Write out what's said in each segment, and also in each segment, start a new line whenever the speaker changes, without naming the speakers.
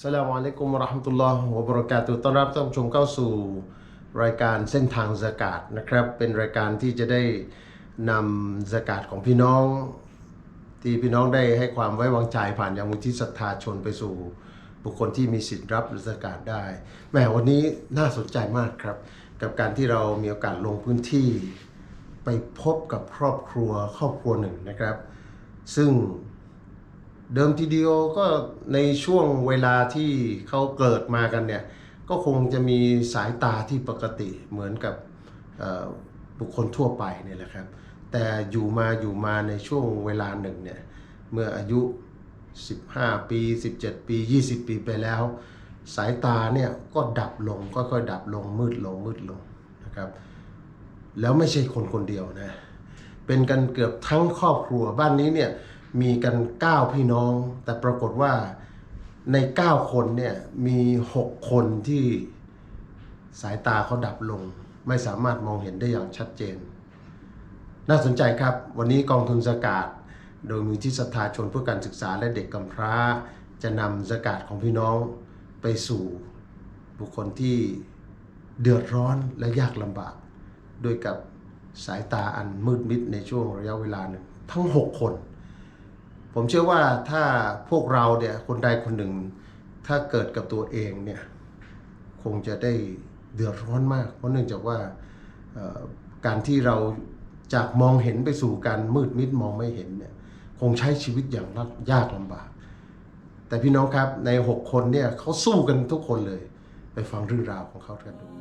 สลามอะลัยกุมวะเราะห์มะตุลลอฮ์วะบะเราะกาตุฮ์ต้อนรับท่านผู้ชมเข้าสู่รายการเส้นทางซะกาตนะครับเป็นรายการที่จะได้นำซะกาตของพี่น้องที่พี่น้องได้ให้ความไว้วางใจผ่านยังมูลที่ศรัทธาชนไปสู่บุคคลที่มีสิทธิ์รับซะกาตได้แหมวันนี้น่าสนใจมากครับกับการที่เรามีโอกาสลงพื้นที่ไปพบกับครอบครัวหนึ่งนะครับซึ่งเดิมทีเดียวก็ในช่วงเวลาที่เขาเกิดมากันเนี่ยก็คงจะมีสายตาที่ปกติเหมือนกับบุคคลทั่วไปเนี่ยแหละครับแต่อยู่มาในช่วงเวลาหนึ่งเนี่ยเมื่ออายุ15ปี17ปี20ปีไปแล้วสายตาเนี่ยก็ดับลงค่อยๆดับลงมืดลงนะครับแล้วไม่ใช่คนเดียวนะเป็นกันเกือบทั้งครอบครัวบ้านนี้เนี่ยมีกัน9พี่น้องแต่ปรากฏว่าใน9คนเนี่ยมี6คนที่สายตาเขาดับลงไม่สามารถมองเห็นได้อย่างชัดเจนน่าสนใจครับวันนี้กองทุนซะกาตโดยมูลที่ศรัทธาชนเพื่อการศึกษาและเด็กกำพร้าจะนำซะกาตของพี่น้องไปสู่บุคคลที่เดือดร้อนและยากลำบากด้วยกับสายตาอันมืดมิดในช่วงระยะเวลาหนึ่งทั้ง6คนผมเชื่อว่าถ้าพวกเราเนี่ยคนใดคนหนึ่งถ้าเกิดกับตัวเองเนี่ยคงจะได้เดือดร้อนมากเพราะเนื่องจากว่าการที่เราจากมองเห็นไปสู่การมืดมิดมองไม่เห็นเนี่ยคงใช้ชีวิตอย่างยากลำบากแต่พี่น้องครับใน6คนเนี่ยเขาสู้กันทุกคนเลยไปฟังเรื่องราวของเขากันดู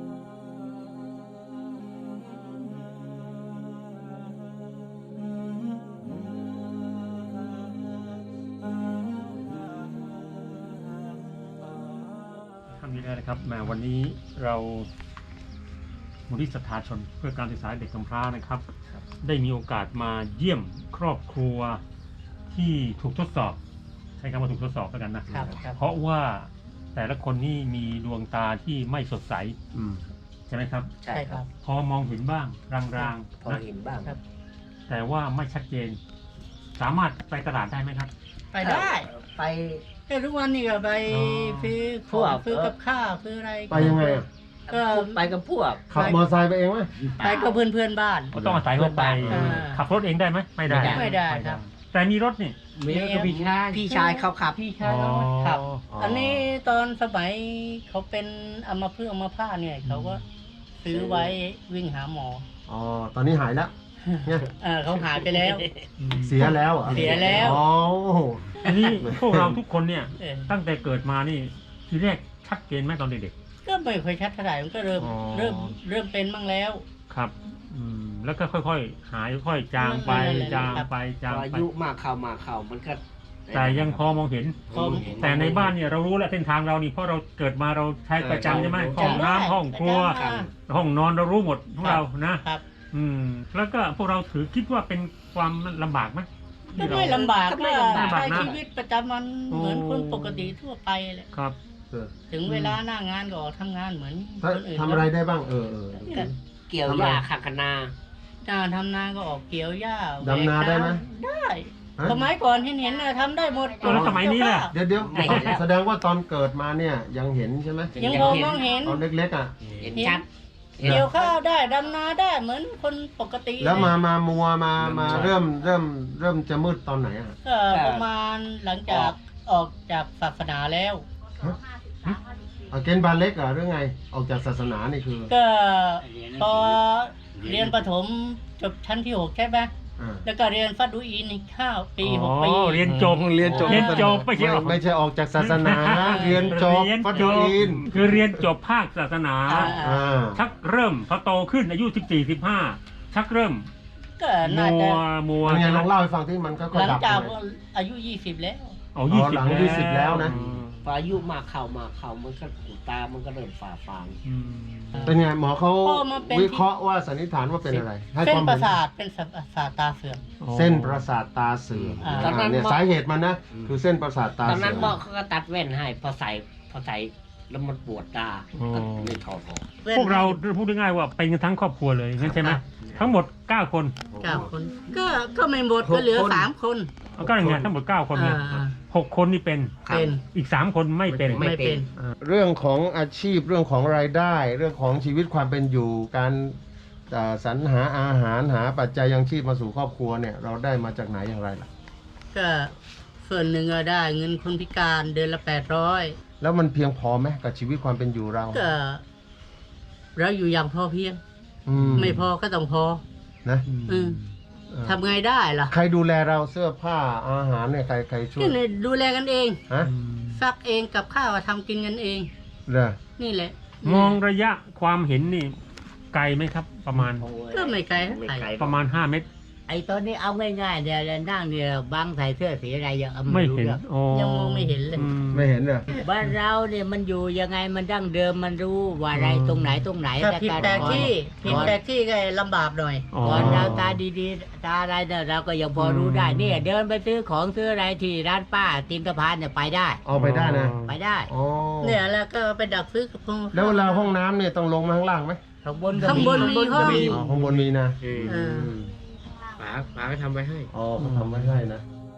นี่ได้นะครับมาวันนี้เรามูลที่ศรัทธาชนเพื่อการศึกษาเด็กกำพร้านะครับได้มีโอกาสมาเยี่ยมครอบครัวที่ถูกทดสอบใช้คำว่าถูกทดสอบแล้วกันนะเพราะว่าแต่ละคนนี่มีดวงตาที่ไม่สดใสใช่ไหมครับ
ใช่ครับ
พอมองเห็นบ้างรางๆ
พอเห็นบ้างครับ
แต่ว่าไม่ชัดเจนสามารถไปตลาดได้ไหมครับ
ไปได้
ไป
ทุกวันนี้ก็ไปซื้อของซื้อกับข้าวซื้ออะไร
ไปยังไง
ก็ไปกับพวก
ขับมอเตอร์ไซค์ไปเองไหม
ไปกับเพื่อนบ้าน
ก็ต้องอาศัยรถไปขับรถเองได้ไหมไม่ได้
ครับ
แต่มีรถนี่
มีก็พี่ชายเขาขับ
พี่ชายเขาขับอันนี้ตอนสมัยเขาเป็นอัมพฤกษ์อัมพาตเนี่ยเขาก็ซื้อไว้วิ่งหาหมอ
อ๋อตอนนี้หายแล้วเนี่ย
เขาหายไปแล้ว
เสียแล้วเหรอ
เสียแล้ว
อ๋อ
อันนี้พวกเราทุกคนเนี่ยตั้งแต่เกิดมานี่ทีแรกชัดเจนไหมตอนเด็ก
ๆก็ไม่ค่อยชัดเท่าไหร่มันก็เริ่มเป็นบ้างแล้ว
ครับแล้วก็ค่อยๆหายค่อยจางไป
อายุมากเข้ามันก็
แต่ยังพอมองเห็นแต่ในบ้านเนี่ยเรารู้แล้วเส้นทางเรานี่เพราะเราเกิดมาเราใช้ประจำใช่ไหมห้องน้ำห้องครัวห้องนอนเรารู้หมดพวกเรานะแล้วก็พวกเราถือคิดว่าเป็นความลำบากไหม
ก็ไม่ลำบากก็ใช้ชีวิตประจำวันเหมือนคนปกติทั่วไปแหละ
ครับ
ถึงเวลาหน้างานก็ทำงานเหมือนคนอื่น
ทำอะไรได้บ้าง
เกี่ยวหญ้าขักนา
ทำนาก็ออกเกี่ยวหญ้า
ดำนาได้ไหม
ได้สมัยก่อนเห็นทำได้หมด
แล้วสมัยนี้แหละ
เดี๋ยวแสดงว่าตอนเกิดมาเนี่ยยังเห็นใช่ไหม
ยังมองเห็น
ตอนเล็กๆ
เห็นชัด
เกี่ยวข้าวได้ดำนาได้เหมือนคนปกติ
แล้วมามัวมาเริ่มจะมืดตอนไหน
ก็ประมาณหลังจากออกจากศาสนาแล้ว
เกณฑ์บาเล็กเหรอหรือไงออกจากศาสนานี่คือ
ก็พอเรียนประถมจบชั้นที่6ใช่ไหมแล้วก็เรียนฟัดดูอิน5 ปี6 ปี
เรียนจบ
ไม่ใช่ออกจากศาสนาเรียนจบฟัดดูอิน
คือเรียนจบภาคศาสนาชักเริ่มพอโตขึ้นอายุ14-15ชักเริ่ม
ก็น่าจะ
มัวลองเล่าให้ฟังที่มันก็
หลังจากอายุ20แล้ว
หลัง20แล้วนะ
พออายุมากเข้ามันก็ตามันก็เริ่มฝ่าฟาง
เป็นไงหมอเขาวิเคราะห์ว่าสันนิษฐานว่าเป็นอะไร
เส้นประสาทเป็นประสาทตาเสื่อม
เส้นประสาทตาเสื่อมเนี่ยสาเหตุมันนะคือเส้นประสาทตาเสื่อม
ตอนนั้นหมอเขาก็ตัดแว่นให้พอใส่แล้วมันปวดตาก็เลยถอดออก
พวกเราพูดง่ายๆว่าเป็นทั้งครอบครัวเลยงั้นใช่ไหมทั้งหมด9 คน
ก็ไม่หมดก็เหลือ3 คน
ก็อย่างเงี้ยทั้งหมด9 คนเนี่ย 6 คนนี่เป็น
เป็น
อีก 3 คนไม่เป็น
ไม่เป็น
เรื่องของอาชีพเรื่องของรายได้ เรื่องของชีวิตความเป็นอยู่การสรรหาอาหารหาปัจจัยยังชีพมาสู่ครอบครัวเนี่ยเราได้มาจากไหนอย่างไรล่ะ
ก็ส่วนหนึ่งก็ได้เงินคนพิการเดือนละ800
แล้วมันเพียงพอไหมกับชีวิตความเป็นอยู่เรา
ก็เราอยู่อย่างพอเพียง ไม่พอก็ต้องพอ
นะ
อืมทำไงได้ล่ะ
ใครดูแลเราเสื้อผ้าอาหารเนี่ยใครช่วย
ก็เนี่ยดูแลกันเอง
ฮะ
ซักเองกับข้าวทำกินกันเอง
เหรอ
นี่แหละ
มองระยะความเห็นนี่ไกลไหมครับ ประมาณ
ก็ไม่ไกลเท่า
ไม่
ไหร่
ไกล
ประมาณ 5 เมตร
ไอ้ตอนนี้เอาง่ายๆเดี๋ยวนั่งเนี่ยบางใส่เสื้อสีอะไรยังเอา
ไม่
รู้
เห็น
เรื่อง
อ๋อ
ยังมองไม่เห็นเลย
อื
ไม่เห็นเหรอ
บ้านเราเนี่ยมันอยู่ยังไงมันดั้งเดิมมันรู้ว่าอะไรตรงไหน
ถ้าผิดแปลกที่ผิดแปลกที่ก็ลำบากหน่อย
อ๋อ
ก่อนเราตาดีๆตาอะไรเนี่ยเราก็ยังพอรู้ได้เนี่ยเดินไปซื้อของซื้ออะไรที่ร้านป้าตีนสะพานเนี่ยไปได้
เอาไปได้นะ
ไปได้
อ๋อ
เนี่ยแล้วก็ไปดักซื้อกับพง
แล้วเวลาห้องน้ำเนี่ยต้องลงมาข้างล่างไหม
ข้างบนก็
ข้างบนมีห้อง
อ๋อข้างบนมีนะ
เออ
ป๋าก็ทำไว้ให้
อ๋อเขาทำไว้ให้นะ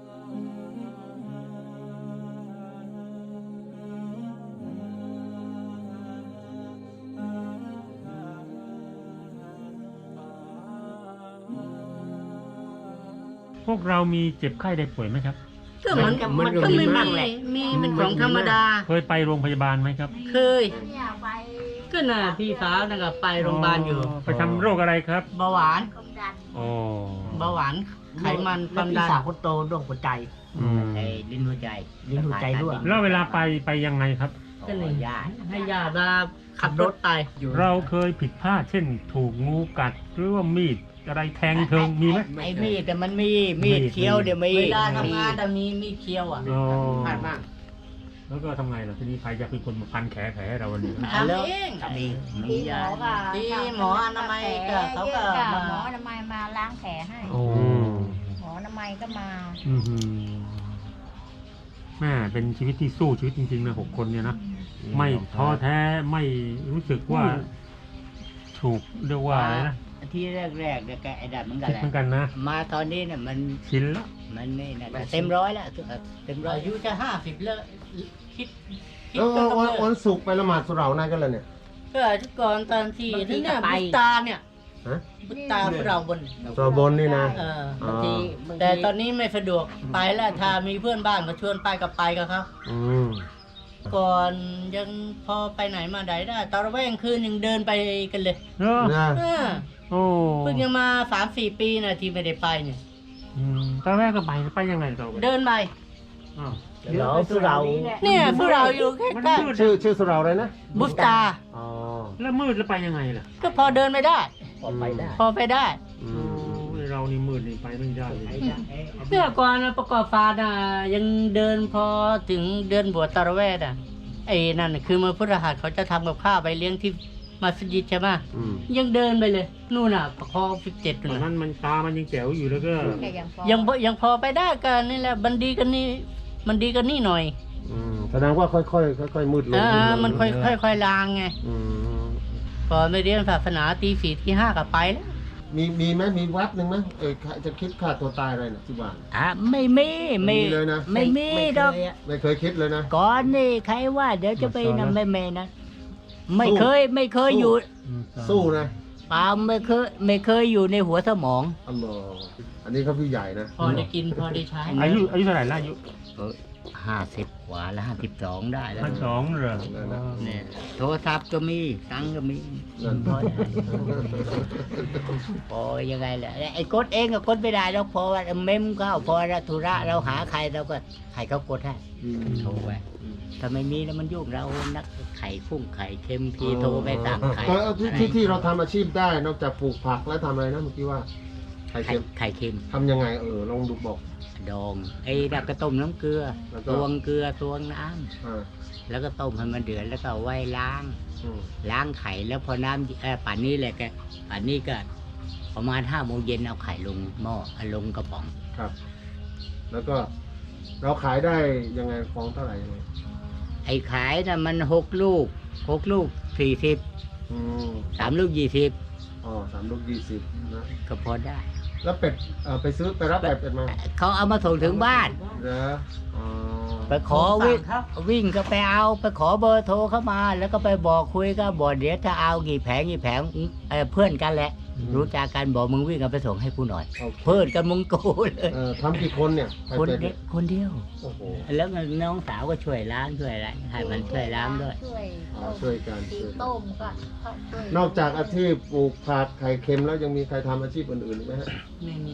พวกเรามีเจ็บไข้ได้ป่วยไหมครับ
ก็มัน
มันก็
ก็
มี
ไม่
บ้างแหละ
มีเป็นของธรรมดา
เคยไปโรงพยาบาลไหมครับ
เคย ก็น่ะพี่สาวนั่นก็ไปโรงพยาบาลอยู่
ไปทำโรคอะไรครับ
เบาหวาน
อ๋อ
เบาหวานไขมันความ
พี่
ดัน
สาวคนโตโรคหัวใจ
อืม
ไอ้ลิ้นหัวใจลิ้นหัวใจรั่ว
แล้วเวลาไปยังไงครับ
ก็เลย
ญาติ
ให้ญาติมาขับรถไป
เราเคยผิดพลาดเช่นถูกงูกัดหรือว่ามีดอะไรแทงเทิงมีไหม
ไอ้มีดแต่มันมีมีดเคี้ยวเดี๋ยวมี
เวลาทำงานแต่มีเคี้ยวอ่ะ
อ๋อ
พลาดบ้าง
แล้วก็ทำไงล่ะทีนี้ใครจะเป็นคนมาพันแขนให้เราวันนี้
ทำเอง
มียา
ที่หมออนามัยก็เขาก็มา
หมออนามัยมาล้างแผลให้
โอ้
หมออนามัยก็มา
อือหือแม่เป็นชีวิตที่สู้ชีวิตจริงๆนะ6 คนเนี่ยนะไม่ท้อแท้ไม่รู้สึกว่าถูกเรียกว่าอะไรนะ
ที่แรกๆเนี่ยแกไอ้ดัดเหมือนกัน
คิด
แหละ
เหมือนกันนะ
มาตอนนี้เนี่ยมัน
ชินละ
มันนี่นะเต็มร้อยแล้วเต็มร้อย
อายุจะ50แล้วคิด
แล้ว
ก็ต้อง
วัน
เลิก
วันศุกร์ไปละหมาดสุเหร่านะกันเลยเนี่ย
ก็ก่อนตอนที่นี่เนี่ยบุตตาเนี่ย
ฮะ
บุตตาพวกเราบน
สุเหร่าบนนี่นะ
เออ
อ๋อ
แต่ตอนนี้ไม่สะดวกไปแล้วถ้ามีเพื่อนบ้านก็ชวนไปกับไปกับเขา
อืม
ก่อนยังพอไปไหนมาไหนได้ตอนระแวงคืนยังเดินไปกันเลย
เออ
นะ
เออ
โอ้
เพิ่งยังมา 3-4 ปีนะที่ไม่ได้ไปเนี่ย
ตอนแรกก็ไปยังไงเรา
เดินไป
อ้าว
เราสุเรา
เนี่ยพวกเราอยู่ใก
มัน
ล้
มืด
ชื่อสุเหร่าอะไรนะ
ๆบุตตา
อ๋อ
แล้วมืดแล้วไปยังไงล่ะ
ก็พอเดินไม่ได้
ออกไปได้
พอไปได้
อื
โอ้
ม
ยเรานี่มืดนี่ไปไม่ได้เลย
เมื่อก่อนนะประกอบฟาน่ะยังเดินพอถึงเดือนบวชตาระแวดอ่ะไอ้นั่นน่ะคือมือพุทธหัสเขาจะทำกับข้าวไปเลี้ยงที่มัสยิดใช่ไหม
อืม
ยังเดินไปเลยนู่นน่ะประคอง17
ตอน
นู่น
นั้
น่ะ
นมันตามันยังแจ๋วอยู่แล้วก็
แกยังพอ
ยังพอไปได้กันนี่แหละมันดีกันนี่มันดีกันนี่หน่อย
อืมแสดงว่าค่อยๆค่อยๆมืดลง
มันค่อยๆลางไง
อืม
พอไม่เรียนศาสนาตี 4 ตี 5ก็ไปแล้ว
มีไหมมีวัดหนึ่งไหมจะคิดฆ่าตัวตายอะไรนะที่บ้าน
ไม่มี
ไม่มีเลยนะ
ไม่มีดอก
ไม่เคยคิดเลยนะ
ก่อนนี่ใครว่าเดี๋ยวจะไปนำไม่นะไม่เคยอยู่
สู้นะ
เปล่าไม่เคยอยู่ในหัวสมอง
อัลลอฮ์อันนี้เขาพี่ใหญ่นะ
พอได้กินพอได้ใช้
อายุเท่าไหร่ละอายุ
50 กว่าแล้ว52 ได้แล้ว
52เหรอ
เนี่ยโทรศัพท์ก็มีตังค์ก็มี
นั่น
พอได้พอยังไงแหละไอ้กดเองก็กดไม่ได้แล้วพอว่าเมมเข้าพอธุระเราหาใครเราก็ใครเขากดให้
อืม
โทรไปถ้าไม่มีแล้วมันยุ่งเรานักไข่ฟุ้งไข่เค็มพีโทรไปสั่งไข่
ที่เราทำอาชีพได้นอกจากปลูกผักแล้วทำอะไรนะเมื่อกี้ว่าไข่
ไข่
เค็ม
ไข่เค็ม
ทำยังไงลองดูบอก
ดองไอ้ดักกระต้มน้ำเกลือ
แล้วก็
ตวงเกลือตวงน้
อ่า
ำแล้วก็ต้มให้มันเดือดแล้วก็เอาไว้ล้าง
อืม
ล้างไข่แล้วพอน้ำป่านนี้แหละป่านนี้ก็ประมาณ5 โมงเย็นเอาไข่ลงหม้อเอาลงกระป๋อง
ครับ แล้วก็เราขายได้ยังไงฟองเท่าไหร่ยังไง
ไอ้ขายน่ะมัน6 ลูก40
อืม
3 ลูก20
อ๋อ3 ลูก 20นะ
ก็พอได้
แล้วเป็ดไปรับเป็ดมา
เขาเอามาส่งถึงบ้าน
เหรออ๋อ
ไปขอ
ผมสั่งครับ
วิ่งก็ไปเอาไปขอเบอร์โทรเข้ามา แล้วก็ไปบอกคุยก็บอกเดี๋ยวถ้าเอากี่แผงเพื่อนกันแหละ รู้จักกันบอกมึงวิ่งกันไปส่งให้กูหน่อย
โอเค
เพื่อนกันมึงกูเลย
ทำกี่คนเนี่ยใคร
คน
เป็น
เดียวคนเดียว
โอ้โห
แล้วน้องสาวก็ช่วยล้างช่วยอะไรให้มันช่วยล้างด้วย
ช่วย
ช่วยกัน
ตีต้มก็เขาช่วย
นอกจากอาชีพปลูกผักไข่เค็มแล้วยังมีใครทำอาชีพอื่นๆอีกไหมฮะ
ไม่มี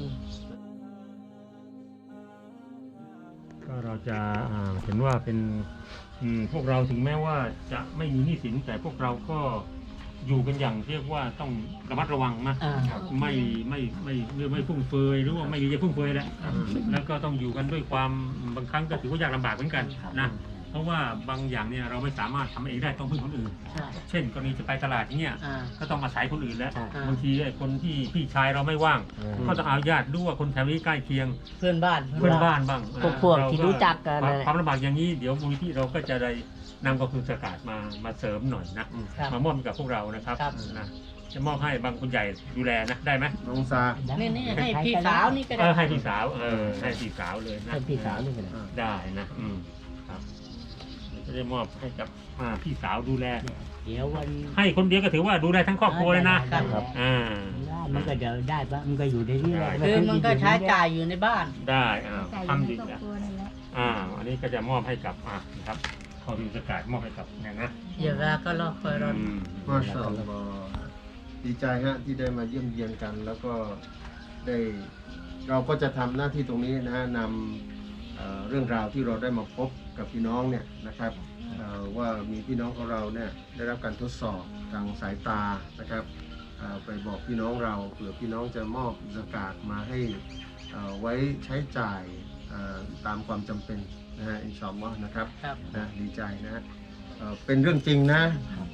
ก็เราจะเห็นว่าเป็นพวกเราถึงแม้ว่าจะไม่มีหนี้สินแต่พวกเราก็อยู่กันอย่างเรียกว่าต้องระมัดระวังนะ
อ่า
ไม่ฟุ่มเฟือยหรือว่าไม่มีจะฟุ่มเฟือยแหละแล้วก็ต้องอยู่กันด้วยความบางครั้งก็ถือว่ายากลำบากเหมือนกันนะเพราะว่าบางอย่างเนี่ยเราไม่สามารถทำเองได้ต้องพึ่งคนอื่น
ใช่
เช่นกรณีจะไปตลาดอย่างเงี้ย
อ่า
ก็ต้องอาศัยคนอื่นแล้ว
ใช่
บางทีไอ้คนที่พี่ชายเราไม่ว่าง ก็ต้องเอาญาติด้วยคนแถวนี้ใกล้เคียง
เพื่อนบ้าน
เพื่อนบ้านบ้าง
พวก
เา
ที่รู้จักกัน
ความลำบากอย่างนี้เดี๋ยวมูลที่เราก็จะได้นำกองทุนสกัดมาเสริมหน่อยนะ
ครับ
มามอบให้กับพวกเรานะครับ
ครับ
นะจะมอบให้บางคนใหญ่ดูแลนะได้ไหม
น้องซา
นี่ให้พี่สาวนี่ก็
เอ
ได้
อให้พี่สาวให้พี่สาวเลยนะ
ให้พี่สาวนี่ก็ได้
ได้นะครับจะได้มอบให้กับพี่สาวดูแล
เดี๋ยววัน
ให้คนเดียวก็ถือว่าดูแลทั้งครอบครัวเลยนะ
ได้ มันก็เดี๋ยวได้ปะมันก็อยู่ในนี้แหละ
คือมันก็ใช้จ่ายอยู่ในบ้าน
ได้
ใส่อ
ทำ
ยู่
ดี
ในครอบ
นะ
ครัวนั่นแหละ
อันนี้ก็จะมอบให้กับนะครับขอดูสกัดมอบให้กับเนี่ยนะ
อย่าเวลาก็รอคอยรอ
มาชาอัลลอฮ์ดีใจฮะที่ได้มาเยี่ยมเยียนกัน แล้วก็ได้เราก็จะทำหน้าที่ตรงนี้นะฮะนำเรื่องราวที่เราได้มาพบกับพี่น้องเนี่ยนะครับว่ามีพี่น้องของเราเนี่ยได้รับการทดสอบทางสายตานะครับไปบอกพี่น้องเราเผื่อพี่น้องจะมอบสกาดมาให้ไว้ใช้จ่ายตามความจำเป็นนะฮะอินชาอัลลอฮ์นะครับ
ครับ
นะดีใจนะเป็นเรื่องจริงนะ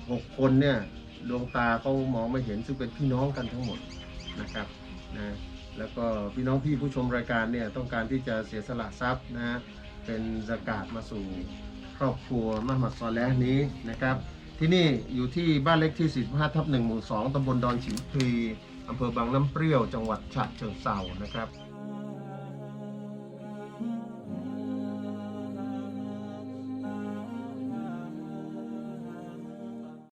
6 คนเนี่ยดวงตาเขามองไม่เห็นซึ่งเป็นพี่น้องกันทั้งหมดนะครับนะแล้วก็พี่น้องพี่ผู้ชมรายการเนี่ยต้องการที่จะเสียสละทรัพย์นะเป็นซะกาตมาสู่ครอบครัวมหมัดซอเลห์นี้นะครับที่นี่อยู่ที่บ้านเล็กที่ 45/1 หมู่ 2 ตำบลดอนฉิมพลีอำเภอบางน้ำเปรี้ยวจังหวัดฉะเชิงเทรานะครับ